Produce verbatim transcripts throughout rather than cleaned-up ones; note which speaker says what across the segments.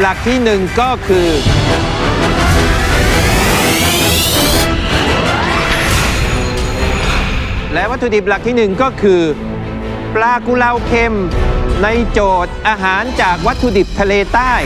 Speaker 1: หลักที่หนึ่งก็คือและวัตถุดิบหลักที่หนึ่งก็คือปลากุเลาเค็มในโจทย์อาหารจากวัตถุดิบทะเลใต้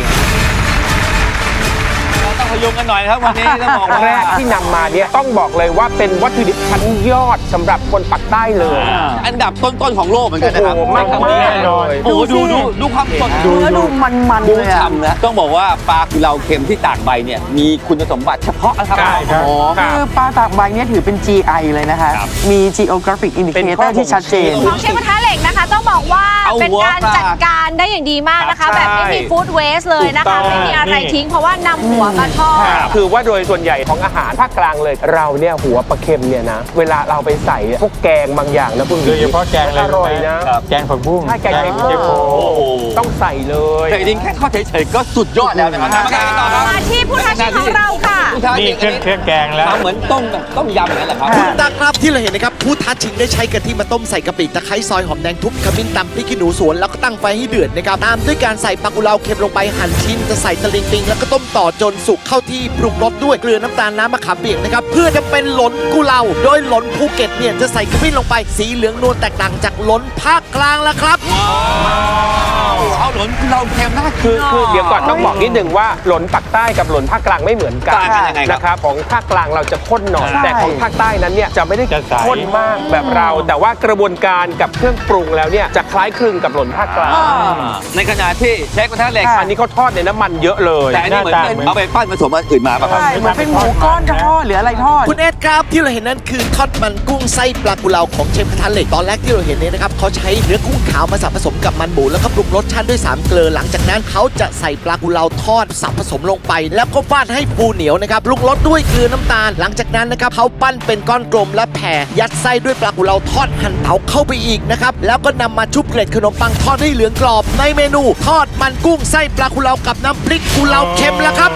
Speaker 2: เราต้องพยุงกันหน่อยครับวันนี้ต้องบอกว่า
Speaker 3: แรกที่นำมาเนี่ยต้องบอกเลยว่าเป็นวัตถุดิบชั้นยอดสำหรับคนปักใต้เลย
Speaker 2: อันดับต้นๆของโลกเหมือนกันนะครับ
Speaker 3: โอ้โหมากๆ
Speaker 2: แน่นอนโอ้โหดูดูดูความสด
Speaker 4: ดูแล้วดูมันๆ
Speaker 2: ดู
Speaker 4: เลยอะ
Speaker 2: ฉ่ำนะต้องบอกว่าปลากุเลาเค็มที่ตากใบเนี่ยมีคุณสมบัติเฉพาะนะครับ
Speaker 3: ใช่ครับ
Speaker 2: อ๋อ
Speaker 4: คือปลาตากใบเนี่ยถือเป็น จี ไอ เลยนะคะ มี Geographic
Speaker 3: เป็นข้อ
Speaker 4: Indicator ที่ชัดเจน
Speaker 5: ของเชฟกระทะเหล็กนะคะต้องบอกว่า
Speaker 2: เอา
Speaker 5: เป็น
Speaker 2: หัว
Speaker 5: การ
Speaker 2: ปลา
Speaker 5: จัดการได้อย่างดีมากนะคะ
Speaker 3: ครับ
Speaker 5: แบบไม่มี
Speaker 3: ใช่
Speaker 5: ฟู้ดเวสเลยนะ
Speaker 3: ถูกต้
Speaker 5: คะ
Speaker 3: อง
Speaker 5: ไม่มีอะไร
Speaker 3: นี่
Speaker 5: ทิ้งเพราะว่านำหัวมาทอด
Speaker 3: คือว่าโดยส่วนใหญ่ของอาหารภาคกลางเลยเราเนี่ยหัวปลาเค็มเนี่ยนะเวลาเราไปใส่พวกแกงบางอย่างนะคุณ
Speaker 6: โดยเฉพาะแกงอะไร
Speaker 3: อร่อยนะ
Speaker 6: แกงผักบุ้ง
Speaker 3: ถ้าแกงเค็ม
Speaker 6: เจโป
Speaker 3: โอ้โหต้องใส่เลย
Speaker 2: แต่จริงๆแค่ทอดเฉยๆก็สุดยอดแล้วนะครับมากันต่อครับ
Speaker 5: มาที่ผู้ท้าชิงของเราค่ะ
Speaker 2: ผู้ท้า
Speaker 6: นี่
Speaker 2: ชิง
Speaker 6: เครื่องเครื่องแกงแล้ว
Speaker 2: ทำเหมือนต้มแบบต้มยำอย่างนั้นแหละครับ
Speaker 4: ค่ะ
Speaker 7: ตักครับที่เราเห็นนะครับผู้ท้าชิงได้ใช้กะทิมาต้มใส่กะปิตะไคร้ซอยหอมแดงทุบขมิ้นตำพริกขี้หนูสวนแล้วก็ตั้งไฟให้เดือดนะครับตามด้วยการใส่ปลากุเลาเค็มลงไปหั่นชิ้นจะใส่ตะลิงปิงแล้วก็ต้มต่อจนสุกเข้าที่ปรุงรสด้วยเกลือน้ำตาลน้ำมะขามเปียกนะครับเพื่อจะเป็นหลนกุเลาโดยหลนภูเก็ตเนี่ยจะใส่ขมิ้นลงไปสีเหลืองนวลแตกต่างจากหลนภาคกลางแล้วครับ
Speaker 2: เอาหลนกุเลาเค็มน่ากิน
Speaker 3: คือคือเดี๋ยวก่อนต้องบอกนิดนึงว่าหลนปักใต้กับหลนภาคกลางไม่เหมือนกัน
Speaker 2: ต่างกันยังไงครับ
Speaker 3: นะครับของภาคกลางเราจะข้นหน่อย
Speaker 4: ใช่
Speaker 3: แต่ของภาคใต้นั้นเนี่ยจะไม่ได้
Speaker 6: จะใส
Speaker 3: ข้นมากแบบเรา แต่ว่ากระบวนการกับเครื่องปรุงแล้วเนี่ยจะคล้ายคลึงกับหลนภาคกลาง
Speaker 2: ในขณะที่เชฟกระทะเหล็ก
Speaker 3: อันนี้เขาทอดในน้ำมันเยอะเลย
Speaker 2: แต่อันนี้เหมือนเป็น
Speaker 6: หน้าตา
Speaker 2: เอาไปปั้นผสมอันอื่นมาป่ะครับ
Speaker 4: ใช่เหมือนเป็นหมูก้อนทอดหรืออะไรทอด
Speaker 7: คุณเอ็ดครับที่เราเห็นนั่นคือทอดมันกุ้งไส้ปลากุเลาของเชฟกระทะเหล็กตอนแรกที่เราเห็นเนี่ยนะครับเขาใช้เนื้อกุ้งขาวมาสับผสมกับมันหมูแล้วก็ปรุงรสชาติด้วยสามเกลือหลังจากนั้นเขาจะใส่ปลากุเลาทอดสับผสมลงไป แล้วก็ฟาดให้ฟูเหนียวนะครับปรุงรสด้วยเกลือน้ำตาล หลังจากนั้นนะครับเขาปั้นเป็นก้อนกลมและแผ่ยัดไส้ด้วยปลากุเลาทอดหั่นเตาเข้าไปอีกนะครับแล้วก็นำมาชุบเกล็ดขนมปังทอดให้เหลืองกรอบในเมนูทอดมันกุ้งไส้ปลากุเลากับน้ำพริกกุเลาเค็มแล้วครับ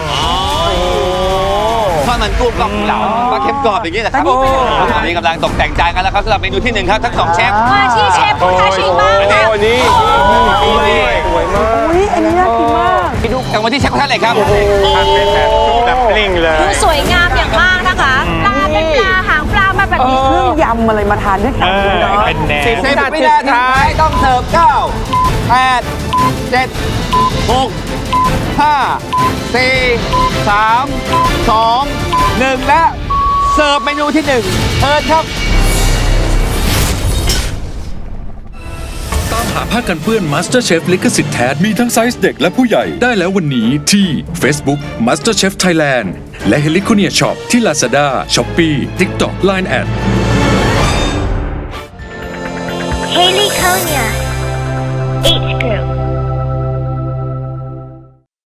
Speaker 2: ทอดมันกุ้งกับเหลาปลาเค็มกรอบอย่างนี้แหละครับ
Speaker 4: แต่นี่เป็น
Speaker 2: ตอนนี้กำลังตกแต่งจานกันแล้วครับสำหรับเมนูที่หนึ่งครับทั้งสองเชฟ
Speaker 5: มาที่เชฟผู้ท้าชิงบ้าง
Speaker 3: โอ้
Speaker 5: ค่ะ
Speaker 3: โหนี่นี่สวยมาก
Speaker 4: อุ้ยอันนี้น่ากินมาก
Speaker 2: ไปดูกันวันที่เชฟกระทะเหล็กครับ
Speaker 6: ทำเป็นแบบซุปแบบกลิ้งเลย
Speaker 5: ดูสวยงามอย่างมากนะคะปลาเป็นปลาหางปลามาแบบนี้
Speaker 4: เครื่องยำอะไรมาทานด้วยกั
Speaker 6: เอน อ
Speaker 4: เนาะ
Speaker 6: เป็นแหน
Speaker 3: สิบ
Speaker 6: ม
Speaker 2: สิบวินาทีท้ายต้องเสิร์ฟเก้าแปดเจ็ดหกห้าสี่สามสองหนึ่งและเสิร์ฟเมนูที่หนึ่งเชิญครับ
Speaker 8: ตามหาผ้ากันเปื้อน MasterChef ลิขสิทธิ์แท้มีทั้งไซส์เด็กและผู้ใหญ่ได้แล้ววันนี้ที่ Facebook MasterChef Thailand และ Heliconia Shop ที่ Lazada, Shopee, TikTok, ไลน์ แอท
Speaker 9: Heliconia